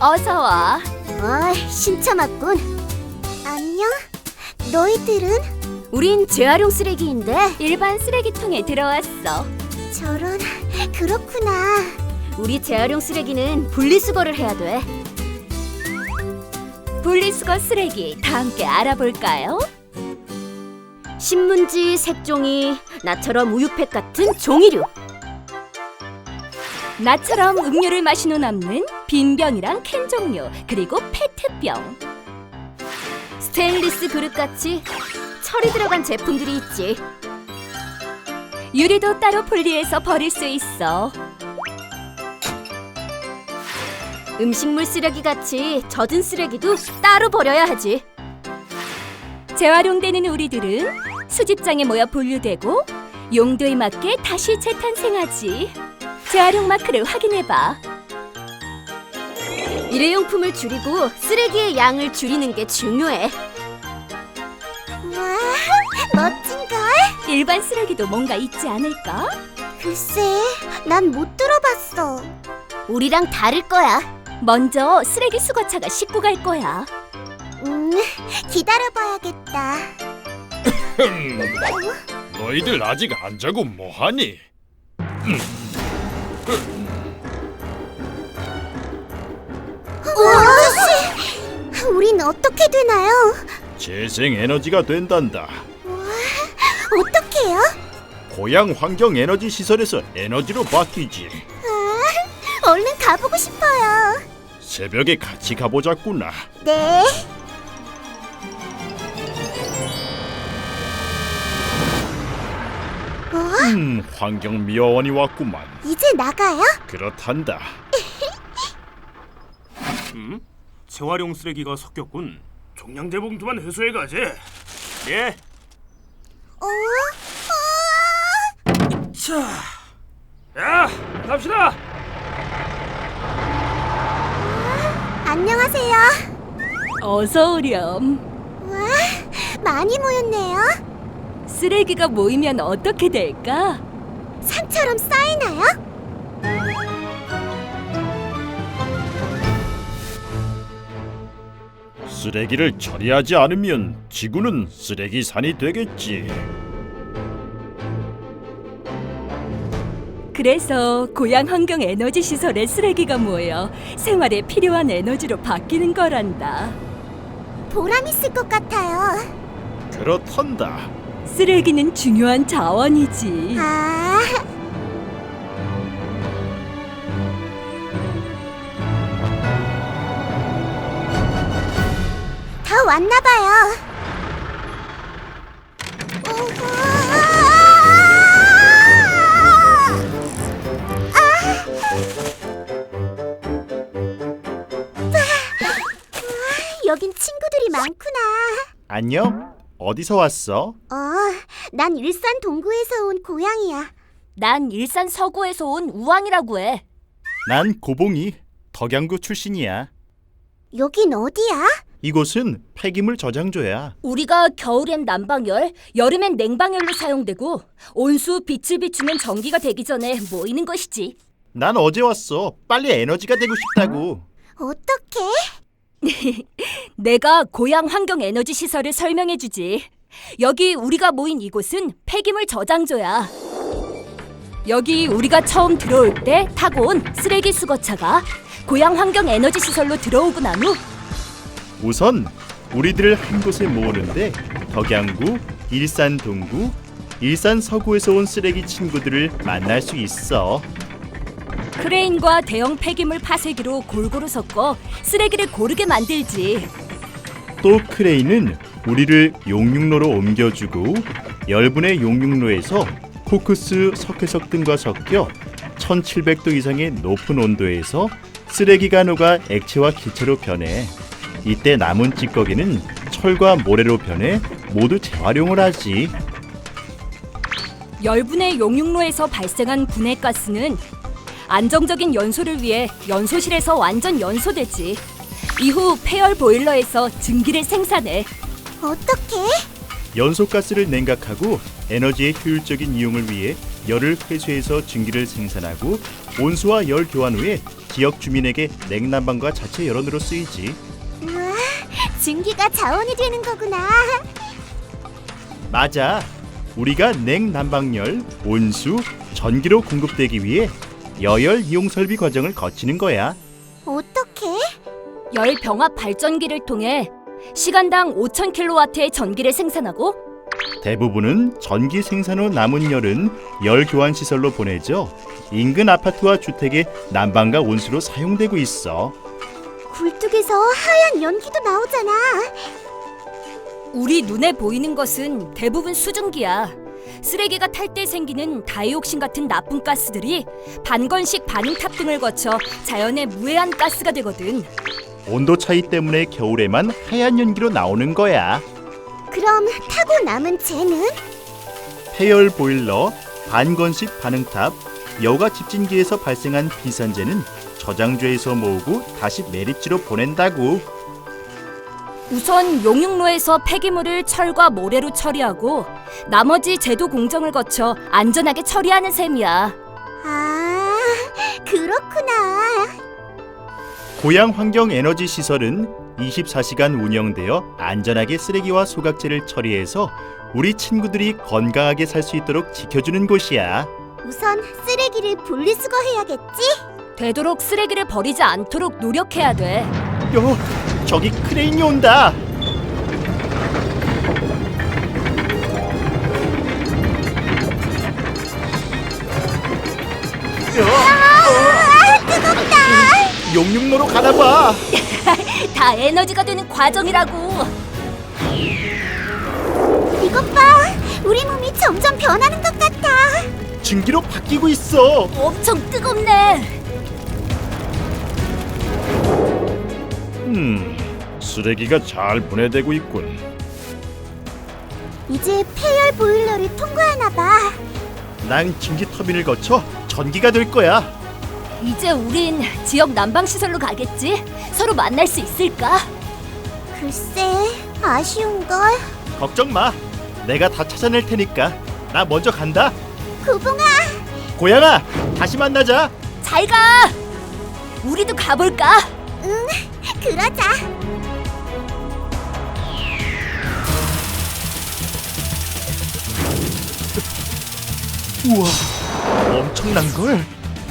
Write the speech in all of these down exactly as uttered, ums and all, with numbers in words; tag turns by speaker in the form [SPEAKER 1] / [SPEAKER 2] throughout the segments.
[SPEAKER 1] 어서 와.
[SPEAKER 2] 어, 신참았군. 안녕? 너희들은?
[SPEAKER 1] 우린 재활용 쓰레기인데 일반 쓰레기통에 들어왔어.
[SPEAKER 2] 저런, 그렇구나.
[SPEAKER 1] 우리 재활용 쓰레기는 분리수거를 해야 돼. 분리수거 쓰레기 다 함께 알아볼까요? 신문지, 색종이, 나처럼 우유팩 같은 종이류. 나처럼 음료를 마신 후 남는 빈 병이랑 캔 종류, 그리고 페트병. 스테인리스 그릇같이 철이 들어간 제품들이 있지. 유리도 따로 분리해서 버릴 수 있어. 음식물 쓰레기같이 젖은 쓰레기도 따로 버려야 하지. 재활용되는 우리들은 수집장에 모여 분류되고 용도에 맞게 다시 재탄생하지. 재활용 마크를 확인해봐. 일회용품을 줄이고 쓰레기의 양을 줄이는 게 중요해.
[SPEAKER 2] 와, 멋진걸?
[SPEAKER 1] 일반 쓰레기도 뭔가 있지 않을까?
[SPEAKER 2] 글쎄, 난 못 들어봤어.
[SPEAKER 1] 우리랑 다를 거야. 먼저 쓰레기 수거차가 싣고 갈 거야.
[SPEAKER 2] 음, 기다려봐야겠다.
[SPEAKER 3] 너희들 아직 안 자고 뭐하니?
[SPEAKER 2] 아저씨, 우린 어떻게 되나요?
[SPEAKER 3] 재생 에너지가 된단다.
[SPEAKER 2] 어떻게요?
[SPEAKER 3] 고향 환경 에너지 시설에서 에너지로 바뀌지.
[SPEAKER 2] 아, 얼른 가보고 싶어요.
[SPEAKER 3] 새벽에 같이 가보자꾸나.
[SPEAKER 2] 네. 어?
[SPEAKER 3] 음, 환경미화원이 왔구만.
[SPEAKER 2] 이제 나가요?
[SPEAKER 3] 그렇단다.
[SPEAKER 4] 음? 재활용 쓰레기가 섞였군. 종량제 봉투만 회수해 가지. 예.
[SPEAKER 2] 어? 어?
[SPEAKER 4] 자, 야, 갑시다.
[SPEAKER 2] 안녕하세요.
[SPEAKER 1] 어서 오렴.
[SPEAKER 2] 와, 많이 모였네요.
[SPEAKER 1] 쓰레기가 모이면 어떻게 될까?
[SPEAKER 2] 산처럼 쌓이나요?
[SPEAKER 3] 쓰레기를 처리하지 않으면 지구는 쓰레기산이 되겠지.
[SPEAKER 1] 그래서 고향 환경 에너지 시설에 쓰레기가 모여 생활에 필요한 에너지로 바뀌는 거란다.
[SPEAKER 2] 보람 있을 것 같아요.
[SPEAKER 3] 그렇단다.
[SPEAKER 1] 쓰레기는 중요한 자원이지.
[SPEAKER 2] 아, 다 왔나 봐요. 여긴 친구들이 많구나.
[SPEAKER 3] 안녕? 어디서 왔어?
[SPEAKER 2] 어, 난 일산 동구에서 온 고양이야.
[SPEAKER 1] 난 일산 서구에서 온 우왕이라고 해.
[SPEAKER 3] 난 고봉이, 덕양구 출신이야.
[SPEAKER 2] 여긴 어디야?
[SPEAKER 3] 이곳은 폐기물 저장소야.
[SPEAKER 1] 우리가 겨울엔 난방열, 여름엔 냉방열로 사용되고 온수 빛을 비추면 전기가 되기 전에 모이는 것이지.
[SPEAKER 3] 난 어제 왔어. 빨리 에너지가 되고 싶다고.
[SPEAKER 2] 어떻게?
[SPEAKER 1] 내가 고향 환경 에너지 시설을 설명해 주지. 여기 우리가 모인 이곳은 폐기물 저장소야. 여기 우리가 처음 들어올 때 타고 온 쓰레기 수거차가 고향 환경 에너지 시설로 들어오고 난 후
[SPEAKER 3] 우선 우리들을 한 곳에 모으는데 덕양구, 일산 동구, 일산 서구에서 온 쓰레기 친구들을 만날 수 있어.
[SPEAKER 1] 크레인과 대형 폐기물 파쇄기로 골고루 섞어 쓰레기를 고르게 만들지.
[SPEAKER 3] 또 크레인은 우리를 용융로로 옮겨주고 열분의 용융로에서 코크스 석회석 등과 섞여 천칠백 도 이상의 높은 온도에서 쓰레기가 녹아 액체와 기체로 변해. 이때 남은 찌꺼기는 철과 모래로 변해 모두 재활용을 하지.
[SPEAKER 1] 열분의 용융로에서 발생한 분해가스는 안정적인 연소를 위해 연소실에서 완전 연소되지. 이후 폐열 보일러에서 증기를 생산해.
[SPEAKER 2] 어떻게?
[SPEAKER 3] 연소가스를 냉각하고 에너지의 효율적인 이용을 위해 열을 회수해서 증기를 생산하고 온수와 열 교환 후에 지역 주민에게 냉난방과 자체 열원으로 쓰이지.
[SPEAKER 2] 우와, 증기가 자원이 되는 거구나.
[SPEAKER 3] 맞아. 우리가 냉난방열, 온수, 전기로 공급되기 위해 여열 이용 설비 과정을 거치는 거야.
[SPEAKER 2] 어떻게?
[SPEAKER 1] 열 병합 발전기를 통해 시간당 오천 킬로와트의 전기를 생산하고
[SPEAKER 3] 대부분은 전기 생산 후 남은 열은 열 교환 시설로 보내져 인근 아파트와 주택의 난방과 온수로 사용되고 있어.
[SPEAKER 2] 굴뚝에서 하얀 연기도 나오잖아.
[SPEAKER 1] 우리 눈에 보이는 것은 대부분 수증기야. 쓰레기가 탈 때 생기는 다이옥신 같은 나쁜 가스들이 반건식 반응탑 등을 거쳐 자연의 무해한 가스가 되거든.
[SPEAKER 3] 온도 차이 때문에 겨울에만 하얀 연기로 나오는 거야.
[SPEAKER 2] 그럼 타고 남은 쟤는?
[SPEAKER 3] 폐열 보일러, 반건식 반응탑, 여가 집진기에서 발생한 비산재는 저장소에서 모으고 다시 매립지로 보낸다고.
[SPEAKER 1] 우선 용융로에서 폐기물을 철과 모래로 처리하고 나머지 제도 공정을 거쳐 안전하게 처리하는 셈이야.
[SPEAKER 2] 아, 그렇구나.
[SPEAKER 3] 고양 환경 에너지 시설은 이십사 시간 운영되어 안전하게 쓰레기와 소각재를 처리해서 우리 친구들이 건강하게 살 수 있도록 지켜주는 곳이야.
[SPEAKER 2] 우선 쓰레기를 분리수거해야겠지?
[SPEAKER 1] 되도록 쓰레기를 버리지 않도록 노력해야 돼.
[SPEAKER 3] 요, 저기 크레인이 온다.
[SPEAKER 2] 아, 뜨겁다.
[SPEAKER 3] 용융로로 가나봐.
[SPEAKER 1] 다 에너지가 되는 과정이라고.
[SPEAKER 2] 이것 봐. 우리 몸이 점점 변하는 것 같아.
[SPEAKER 3] 증기로 바뀌고 있어.
[SPEAKER 1] 엄청 뜨겁네.
[SPEAKER 3] 음, 쓰레기가 잘 분해되고 있군.
[SPEAKER 2] 이제 폐열 보일러를 통과하나 봐.
[SPEAKER 3] 난 증기 터빈을 거쳐 전기가 될 거야.
[SPEAKER 1] 이제 우린 지역 난방 시설로 가겠지? 서로 만날 수 있을까?
[SPEAKER 2] 글쎄, 아쉬운걸.
[SPEAKER 3] 걱정 마. 내가 다 찾아낼 테니까. 나 먼저 간다.
[SPEAKER 2] 구봉아,
[SPEAKER 3] 고양아, 다시 만나자.
[SPEAKER 1] 잘 가. 우리도 가볼까?
[SPEAKER 2] 응, 그러자.
[SPEAKER 3] 우와, 엄청난 걸.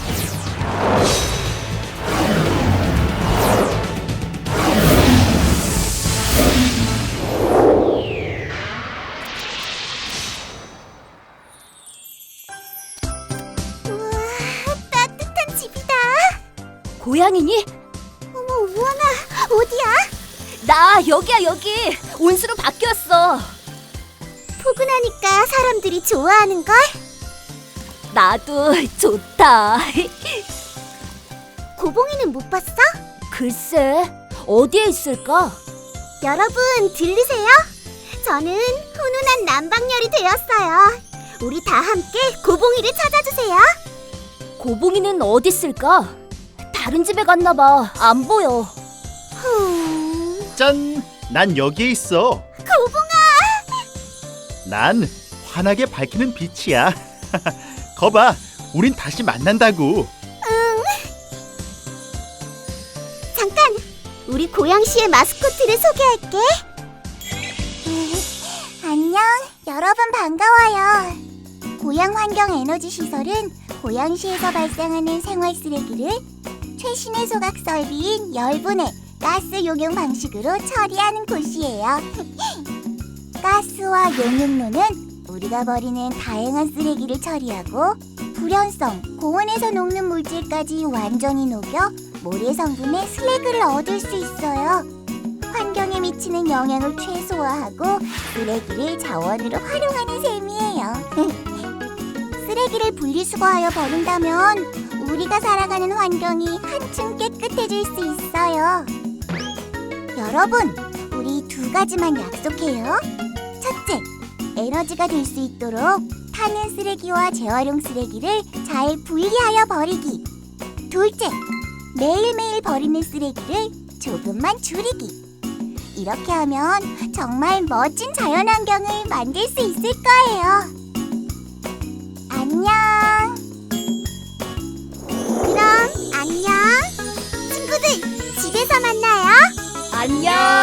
[SPEAKER 2] 우와, 따뜻한 집이다.
[SPEAKER 1] 고양이니?
[SPEAKER 2] 어머, 우원아, 어디야?
[SPEAKER 1] 나 여기야 여기. 온수로 바뀌었어.
[SPEAKER 2] 포근하니까 사람들이 좋아하는걸?
[SPEAKER 1] 나도 좋다.
[SPEAKER 2] 고봉이는 못 봤어?
[SPEAKER 1] 글쎄, 어디에 있을까?
[SPEAKER 2] 여러분, 들리세요? 저는 훈훈한 난방열이 되었어요. 우리 다 함께 고봉이를 찾아주세요.
[SPEAKER 1] 고봉이는 어디 있을까? 다른 집에 갔나 봐. 안 보여.
[SPEAKER 2] 후...
[SPEAKER 3] 짠, 난 여기에 있어.
[SPEAKER 2] 고봉아!
[SPEAKER 3] 난 환하게 밝히는 빛이야. 거봐, 우린 다시 만난다고.
[SPEAKER 2] 잠깐! 우리 고양시의 마스코트를 소개할게. 안녕, 여러분 반가워요. 고양 환경 에너지 시설은 고양시에서 발생하는 생활 쓰레기를 최신의 소각 설비인 열분해 가스 용융 방식으로 처리하는 곳이에요. 가스와 용융로는 우리가 버리는 다양한 쓰레기를 처리하고 불연성, 고온에서 녹는 물질까지 완전히 녹여 모래 성분의 슬래그를 얻을 수 있어요. 환경에 미치는 영향을 최소화하고 쓰레기를 자원으로 활용하는 셈이에요. 쓰레기를 분리수거하여 버린다면 우리가 살아가는 환경이 한층 깨끗해질 수 있어요. 여러분, 우리 두 가지만 약속해요. 첫째, 에너지가 될 수 있도록 타는 쓰레기와 재활용 쓰레기를 잘 분리하여 버리기. 둘째, 매일매일 버리는 쓰레기를 조금만 줄이기. 이렇게 하면 정말 멋진 자연환경을 만들 수 있을 거예요. 안녕.
[SPEAKER 1] 안녕.